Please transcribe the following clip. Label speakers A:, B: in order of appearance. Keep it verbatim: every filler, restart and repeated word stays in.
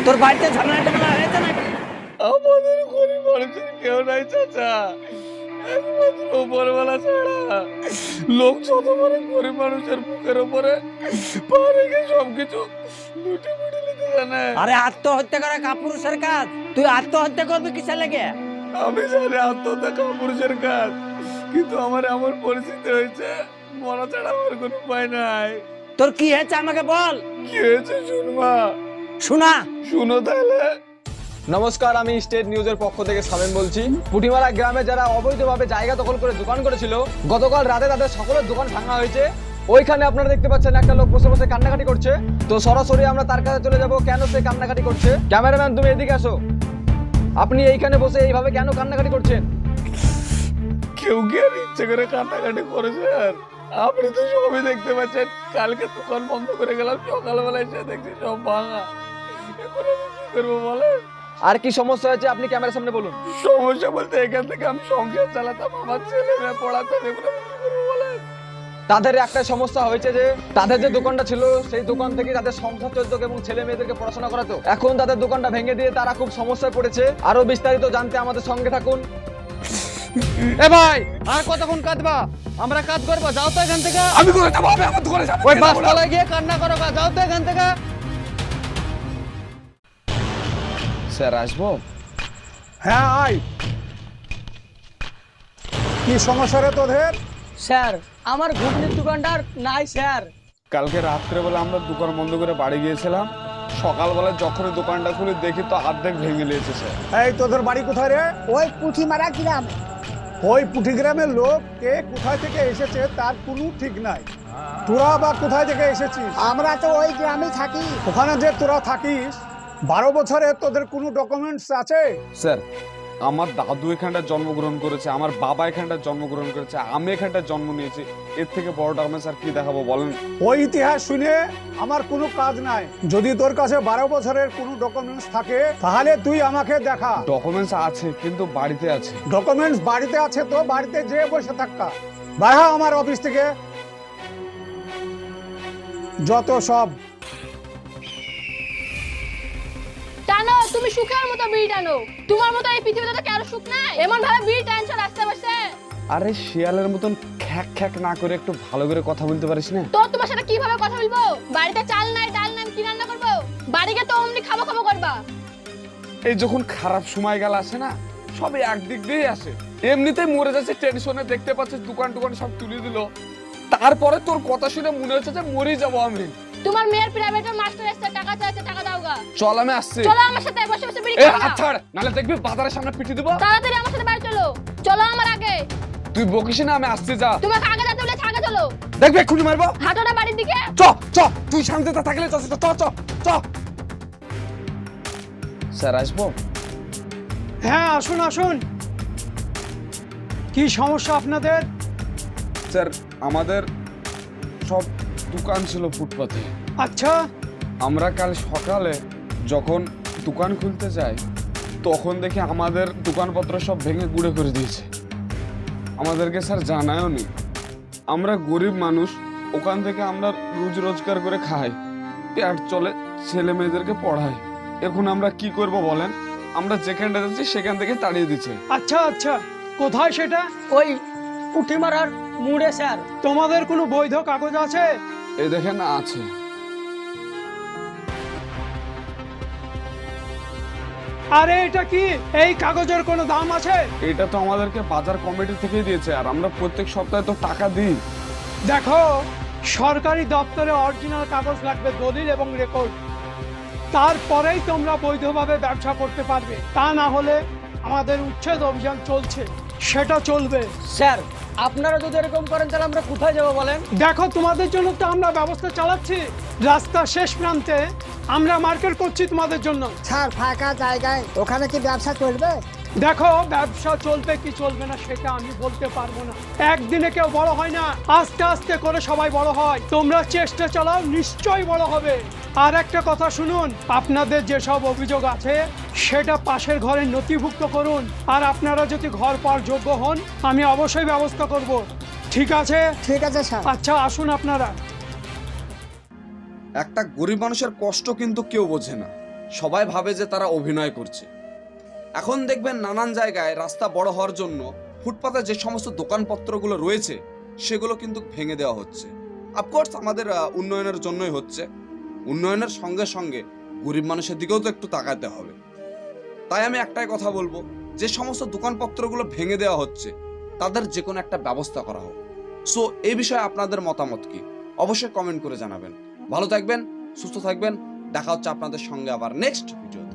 A: তোর বাড়িতে ঝামেলা টামেলা হয়েছে নাকি?
B: আমাদের গরিব মানুষের কেউ নাই চাচা, একমাত্র উপরওয়ালা ছাড়া। লোক যত পারে গরিব মানুষের বুকের উপরে পা রেখে সবকিছু লুটে ফুটে নিতে জানে।
A: আরে আত্মহত্যা করা কাপুরুষের কাজ, তুই আত্মহত্যা করবি কিসের লেগে?
B: আমি জানি আত্মহত্যা কাপুরুষের কাজ, কিন্তু আমার এমন পরিস্থিতি হয়েছে মরা ছাড়া আমার কোনো উপায় নাই।
A: তোর কি হয়েছে আমাকে বল।
B: কি হয়েছে শুনবা?
A: শোনা।
B: শুনো তাহলে।
C: নমস্কার, আমি স্টেট নিউজের পক্ষ থেকে সামেন বলছি। পুটিমারা গ্রামে যারা অবৈধভাবে জায়গা দখল করে দোকান করেছিল, গতকাল রাতে তাদের সকলের দোকান ভাঙা হয়েছে। ওইখানে আপনারা দেখতে পাচ্ছেন একটা লোক বসে বসে কান্নাকাটি করছে। তো সরাসরি আমরা তার কাছে চলে যাব, কেন সে কান্নাকাটি করছে। ক্যামেরাম্যান, তুমি এদিকে আসো। আপনি এইখানে বসে এইভাবে কেন কান্নাকাটি করছেন?
B: কেউ কি আর ইচ্ছে করে কান্নাকাটি করেছে? আর আপনি তো সবই দেখতে পাচ্ছেন। কালকে দোকান বন্ধ করে গেলাম, সকালবেলা এসে দেখছি সব ভাঙা। এখন আমি কি করবো বলেন?
C: আর কি সমস্যা হয়েছে আপনি ক্যামেরার সামনে বলুন।
B: সমস্যা বলতে এখান থেকে আমি সংসার চালাতাম, আমার ছেলে মেয়ে পড়াতাম, এগুলো আমি কি করবো বলেন?
C: তাদের একটা সমস্যা হয়েছে যে তাদের যে দোকানটা ছিল সেই দোকান থেকে তাদের সংসার চলতো এবং ছেলে মেয়েদেরকে পড়াশোনা করাতো। এখন তাদের দোকানটা ভেঙে দিয়ে তারা খুব সমস্যায় পড়েছে। আরো বিস্তারিত জানতে আমাদের সঙ্গে থাকুন। এ ভাই, আর কতক্ষণ কাঁদবা? আমরা কাজ করবো, যাও তো এখান থেকে।
B: আমি করে যাবো, আমি আমার দোকানে যাবো।
C: ওই বাসতলায় গিয়ে কান্না করো, যাও তো এখান থেকে। স্যার আসবো?
D: হ্যাঁ আয়। কি সমস্যা রে তোদের?
A: স্যার, আমার ঘুগনির দোকানটার নাই স্যার।
B: কালকে রাত্রেবেলা আমরা দোকান বন্ধ করে বাড়ি গিয়েছিলাম, সকালবেলা যখনই দোকানটা খুলে দেখি তো অর্ধেক ভেঙে নিয়েছে স্যার।
D: এই তোদের বাড়ি কোথায় রে?
E: ওই পুঁথিমারা গ্রাম।
D: ওই পুঠি গ্রামের লোক কে কোথায় থেকে এসেছে তার কোনো ঠিক নাই। তোরা বা কোথায় থেকে এসেছিস?
E: আমরা তো ওই গ্রামে থাকি।
D: ওখানে যে তোরা থাকিস, বারো বছরে তোদের কোনো ডকুমেন্টস আছে?
B: স্যার, আমার দাদু এখানটা জন্মগ্রহণ করেছে, আমার বাবা এখানটা জন্মগ্রহণ করেছে, আমি এখানটা জন্ম নিয়েছি। এর থেকে বড় ডকুমেন্টস আর কি দেখাবো বলেন?
D: ওই ইতিহাস শুনে আমার কোনো কাজ নাই। যদি তোর কাছে বারো বছরের কোনো ডকুমেন্টস থাকে তাহলে তুই আমাকে দেখা।
B: ডকুমেন্টস আছে কিন্তু বাড়িতে আছে।
D: ডকুমেন্টস বাড়িতে আছে তো বাড়িতে যেয়ে বসে থাকা। বাইরে আমার অফিস থেকে যত সব।
F: টানো, তুমি সুখের মতো বিড়ি টানো। তোমার মতো এই পৃথিবীতে তো কারো সুখ নাই। এমন ভাবে বিড়ি টানছো রাস্তা বসে।
B: আরে শিয়ালের মতন খ্যাক খ্যাক না করে একটু ভালো করে কথা বলতে পারিস না?
F: তো তোমার সাথে কিভাবে কথা বলবো? বাড়িতে চাল নাই, ডাল নাই, কি রান্না করবো? বাড়ি গিয়ে তো অমনি খাবো খাবো করবা।
B: এই যখন খারাপ সময় গেল আসে না, সবই একদিক দিয়েই আসে। এমনিতেই মরে যাচ্ছে টেনশনে, দেখতে পাচ্ছিস দোকান টোকান সব তুলে দিল। তারপরে তোর কথা শুনে মনে হচ্ছে যে মরে যাবো আমি।
F: তোমার মেয়ের প্রাইভেটের মাস্টার এসে টাকা চাইছে, টাকা দাওগা।
B: চল আমি আসছি।
F: চলো আমার সাথে বসে বসে বিড়ি
B: এ
F: খাও।
B: হাত ছাড়, নালে দেখবি বাজারের সামনে পিটি দিব।
F: তাড়াতাড়ি আমার সাথে বাড়ি চলো। চলো আমার আগে।
B: তুই বকিস না, আমি আসছি, যা।
F: তোমাকে আগে যেতে বলেছি, আগে চলো।
B: দেখবি এক্ষুনি মারবো।
F: হাঁটোটা বাড়ির দিকে।
B: চ চ, তুই শান্তিতে থাকলে চ চ চ চ। স্যার আসবো?
D: হ্যাঁ আসুন আসুন। কি সমস্যা আপনাদের?
B: স্যার, আমাদের সব দোকান ছিল ফুটপাতে।
D: আচ্ছা,
B: আমরা কাল সকালে যখন দোকান খুলতে যাই তখন দেখি আমাদের দোকানপত্র সব ভেঙে গুঁড়ে করে দিয়েছে। আমাদেরকে স্যার জানায়ও নি। আমরা গরিব মানুষ, ওখান থেকে আমরা রোজ রোজগার করে খাই, পেট চলে, ছেলে মেয়েদেরকে পড়াই। এখন আমরা কি করব বলেন? আমরা যেখানটা যাচ্ছি সেখান থেকে তাড়িয়ে দিচ্ছে।
D: আচ্ছা আচ্ছা, কোথায় সেটা?
A: ওই পুঁটিমারার মুড়ে স্যার।
D: তোমাদের কোনো বৈধ কাগজ আছে?
B: এই দেখেন আছে।
D: আরে এটা কি? এই কাগজের কোনো দাম আছে?
B: এটা তো আমাদেরকে বাজার কমিটি থেকেই দিয়েছে, আর আমরা প্রত্যেক সপ্তাহে তো টাকা দিই।
D: দেখো, সরকারি দপ্তরে অরিজিনাল কাগজ লাগবে, দলিল এবং রেকর্ড। তারপরেই তোমরা বৈধভাবে ব্যবসা করতে পারবে। তা না হলে আমাদের উচ্ছেদ অভিযান চলছে, সেটা চলবে।
A: স্যার, আপনারা যদি এরকম করেন তাহলে আমরা কোথায় যাবো বলেন?
D: দেখো, তোমাদের জন্য তো আমরা ব্যবস্থা চালাচ্ছি। রাস্তার শেষ প্রান্তে আমরা মার্কেট করছি তোমাদের জন্য।
E: স্যার, ফাঁকা জায়গায় ওখানে কি ব্যবসা চলবে?
D: দেখো, ব্যবসা চলবে কি চলবে না সেটা আমি বলতে পারবো না। একদিনে কেউ বড় হয় না, আস্তে আস্তে করে সবাই বড় হয়। তোমরা চেষ্টা চালাও, নিশ্চয়ই বড় হবে। আর একটা কথা শুনুন, আপনাদের যেসব অভিযোগ আছে সেটা পাশের ঘরে নথিভুক্ত করুন। আর আপনারা যদি ঘর পাওয়ার যোগ্য হন, আমি অবশ্যই ব্যবস্থা করব। ঠিক আছে?
E: ঠিক আছে স্যার।
D: আচ্ছা, আসুন আপনারা।
B: একটা গরিব মানুষের কষ্ট কিন্তু কেউ বোঝে না। সবাই ভাবে যে তারা অভিনয় করছে। এখন দেখবেন নানান জায়গায় রাস্তা বড় হওয়ার জন্য ফুটপাতে যে সমস্ত দোকানপত্রগুলো রয়েছে সেগুলো কিন্তু ভেঙে দেওয়া হচ্ছে। অফকোর্স আমাদের আহ, উন্নয়নের জন্যই হচ্ছে। উন্নয়নের সঙ্গে সঙ্গে গরিব মানুষের দিকেও তো একটু তাকাতে হবে। তাই আমি একটাই কথা বলবো, যে সমস্ত দোকানপত্রগুলো ভেঙে দেওয়া হচ্ছে তাদের যে কোনো একটা ব্যবস্থা করা হোক। সো এই বিষয়ে আপনাদের মতামত কি অবশ্যই কমেন্ট করে জানাবেন। ভালো থাকবেন, সুস্থ থাকবেন, দেখা হচ্ছে আপনাদের সঙ্গে আবার নেক্সট ভিডিও।